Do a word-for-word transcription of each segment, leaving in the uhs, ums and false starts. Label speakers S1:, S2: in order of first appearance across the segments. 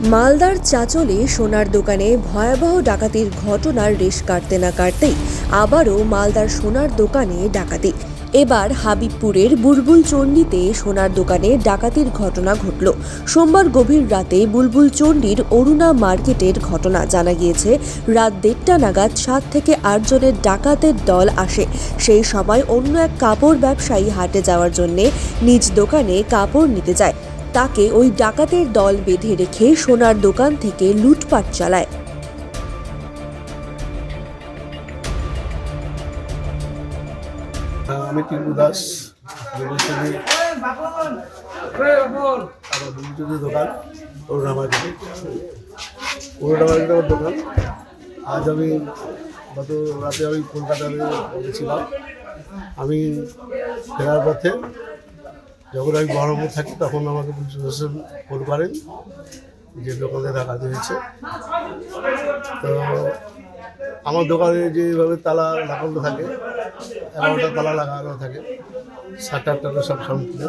S1: মালদার চাঁচলে সোনার দোকানে ভয়াবহ ডাকাতির ঘটনার রেশ কাটতে না কাটতেই আবারও মালদার সোনার দোকানে ডাকাতি। এবার হাবিবপুরের বুলবুল চণ্ডীতে সোনার দোকানে ডাকাতির ঘটনা ঘটল। সোমবার গভীর রাতে বুলবুল চণ্ডীর অরুণা মার্কেটের ঘটনা। জানা গিয়েছে, রাত দেড়টা নাগাদ সাত থেকে আট জনের ডাকাতের দল আসে। সেই সময় অন্য এক কাপড় ব্যবসায়ী হাটে যাওয়ার জন্য নিজ দোকানে কাপড় নিতে যায়। তাকে ওই ডাকাতের দল বেঁধে রেখে সোনার দোকান থেকে লুটপাট চালায়।
S2: আমি টিপু দাস, দোকান অরুণা মার্কেটে অরুণা মার্কেটে আমার দোকান। আজ আমি গত রাতে আমি কলকাতায় গেছিলাম। আমি ফেরার পথে যখন আমি বহরমপুর থাকি তখন আমাকে পুলিশ প্রশাসন ফোন করেন যে দোকানে ডাকাতি হয়েছে। তো আমার দোকানে যেভাবে তালা লাগানো থাকে, এগারোটা তালা লাগানো থাকে, সাত আটটা সব সম্পূর্ণ।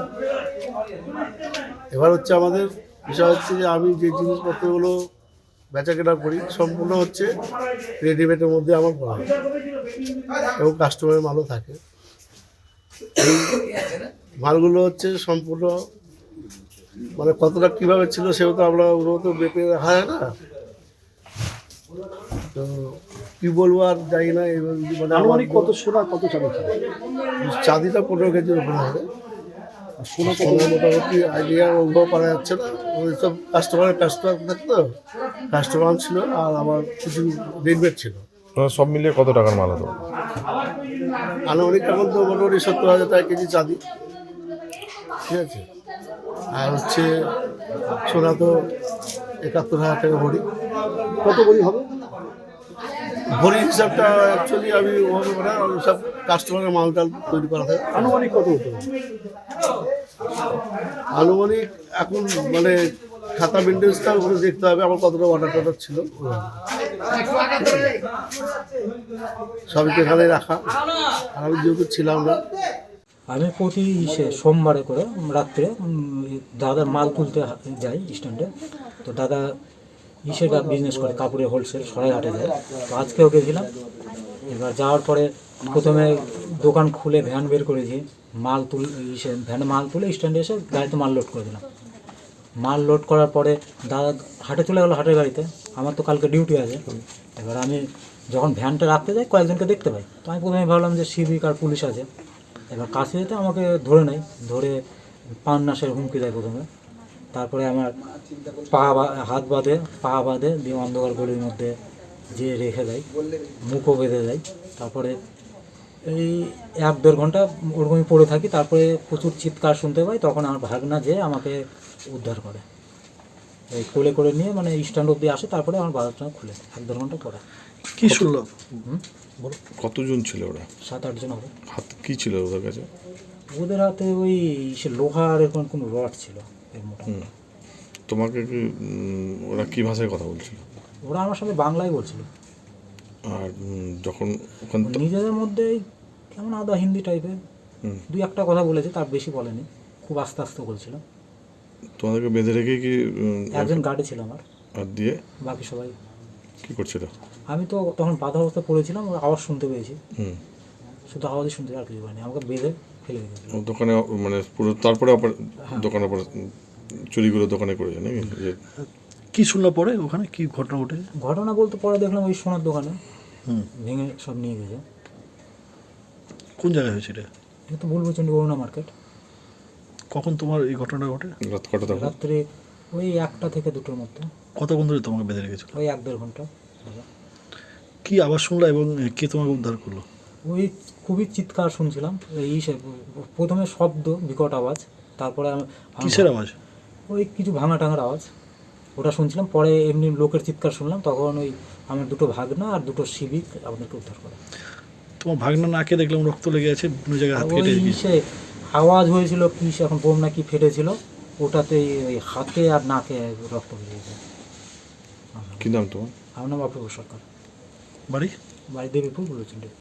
S2: এবার হচ্ছে আমাদের বিষয় হচ্ছে যে আমি যে জিনিসপত্রগুলো বেচা কেনা করি সম্পূর্ণ হচ্ছে রেডিমেডের মধ্যে আমার করা হয় এবং কাস্টমারের মালও থাকে। এই মালগুলো হচ্ছে সম্পূর্ণ মানে কতটা কীভাবে ছিল সেও তো আমরা ওগুলো তো বেপে রাখা যায় না। তো কী বলবো আর জানি না। এবার মানে আমার
S3: কত সোনা কত চাঁদি ছিল?
S2: চাঁদিটা পনেরো কেজির উপরে হবে। সোনা সোনা মোটামুটি আইডিয়া ওগুলো পারা যাচ্ছে না। ওই সব কাস্টমারের কাস্টমার থাকতো, কাস্টমার ছিল আর আমার কিছু রেডিমেড ছিল।
S4: সব মিলিয়ে কত টাকার মাল হতো?
S2: আনুমানিক এখন তো মোটামুটি সত্তর হাজার টাকা কেজি চাঁদি, ঠিক আছে। আর হচ্ছে সোনা তো একাত্তর হাজার টাকা ভরি।
S3: কত ভরি হবে?
S2: ভরি হিসাবটা অ্যাকচুয়ালি আমি ওভাবে মানে সব কাস্টমারের মাল টাল তৈরি করা থাকে।
S3: আনুমানিক কত হতো?
S2: আনুমানিক এখন মানে খাতা মেনটেন্সটা ওখানে দেখতে হবে আমার কতটা অর্ডার টর্ডার ছিল, সবই তো এখানে রাখা। আর আমি যেহেতু ছিলাম না,
S5: আমি প্রতি ইসে সোমবারে করে রাত্রে দাদার মাল তুলতে যাই স্ট্যান্ডে। তো দাদা ইসের বিজনেস করে, কাপড়ের হোলসেল, সরাইঘাটে যায়। তো আজকেও গেছিলাম। এবার যাওয়ার পরে প্রথমে দোকান খুলে ভ্যান বের করেছি, মাল তুল ইসে ভ্যানে মাল তুলে স্ট্যান্ডে এসে গাড়িতে মাল লোড করে দিলাম। মাল লোড করার পরে দাদা হাটে চলে গেলো, হাটের গাড়িতে। আমার তো কালকে ডিউটি আছে। এবার আমি যখন ভ্যানটা রাখতে যাই কয়েকজনকে দেখতে পাই। তো আমি প্রথমে ভাবলাম যে সিভিক আর পুলিশ আছে। এবার কাছে যেতে আমাকে ধরে নেয়, ধরে পান্নাসের হুমকি দেয় প্রথমে। তারপরে আমার পা হাত বাঁধে, পা বাঁধে দিয়ে অন্ধকার গলির মধ্যে যে রেখে দেয়, মুখও বেঁধে দেয়। তারপরে এই এক দেড় ঘন্টা ওরকমই পড়ে থাকি। তারপরে প্রচুর চিৎকার শুনতে পাই, তখন আমার ভাগনা যে আমাকে উদ্ধার করে, এই কোলে করে নিয়ে মানে স্ট্যান্ড অব্দি আসে। তারপরে আমার বাজারটা খুলে এক দেড় ঘন্টা পরে।
S3: কি শুনলো?
S4: কতজন ছিল ওরা?
S5: সাত আটজন হবে।
S4: হাত কি ছিল ওদের কাছে?
S5: ওদের হাতে ওই সে লোহার এরকম কোনো রড ছিল এর মোটা।
S4: তোমাকে কি ওরা কি ভাষায় কথা বলছিল?
S5: ওরা আমার সাথে বাংলায় বলছিল।
S4: আর যখন ওখান
S5: নিজেদের মধ্যেই কেমন আদা হিন্দি টাইপের দুই একটা কথা বলেছে, তার বেশি বলেনি, খুব আস্তে আস্তে বলছিল।
S4: তোমাদেরকে বেঁধে রেখে কি?
S5: একজন গার্ডে ছিল আমার,
S4: আর দিয়ে
S5: বাকি সবাই
S4: কি করছিল?
S5: আমি তো তখন বাধা অবস্থা পড়েছিলাম, ওর আওয়াজ শুনতে পেয়েছি,
S4: হুম,
S5: শুধু আওয়াজই শুনতে আর কিছু পাইনি। আমাকে বেঁধে ফেলে দিয়েছিল
S4: দোকানে, মানে পুরো তারপরে দোকানে চুরিগুলো দোকানে করেছে নাকি?
S3: কি শুনলো পরে ওখানে কি ঘটনা ঘটে?
S5: ঘটনা বলতে পরে দেখলাম ওই সোনার দোকানে ভেঙে সব নিয়ে গেছে।
S3: কোন জায়গায় হয়েছিল?
S5: এটা তো বুলবুল চণ্ডী অরুণা মার্কেট।
S3: কখন তোমার এই ঘটনাটা ঘটে?
S4: রাত কটা তখন?
S5: রাত্রে ওই একটা থেকে দুটোর মধ্যে।
S3: কতক্ষণ ধরে তোমাকে বেঁধে রেখেছিল?
S5: ওই এক দেড় ঘন্টা।
S3: কি আওয়াজ শুনলা এবং কে তোমাকে উদ্ধার করলো?
S5: ওই খুবই চিৎকার শুনছিলাম, এই প্রথমে শব্দ, বিকট আওয়াজ, তারপরে
S3: কিসের আওয়াজ?
S5: ওই কিছু ভাঙা টাঙার আওয়াজ, ওটা শুনছিলাম। পরে এমনি লোকের চিৎকার শুনলাম, তখন ওই আমার দুটো ভাগনা আর দুটো সিভিক আমাদেরকে উদ্ধার করে।
S3: তোমার ভাগনা নাকে দেখলাম রক্ত লেগে আছে, বিভিন্ন জায়গায় হাত কেটে
S5: ওই সে আওয়াজ হয়েছিল কি সে এখন বোম নাকি ফেটেছিল, ওটাতে ওই হাতে আর নাকে রক্ত বেরিয়েছে।
S4: কি নাম তোমার?
S5: আমার নাম অপূর্ব সরকার।
S3: বাড়ি?
S5: বাড়ি দেবীপুর বুলবুল চণ্ডী।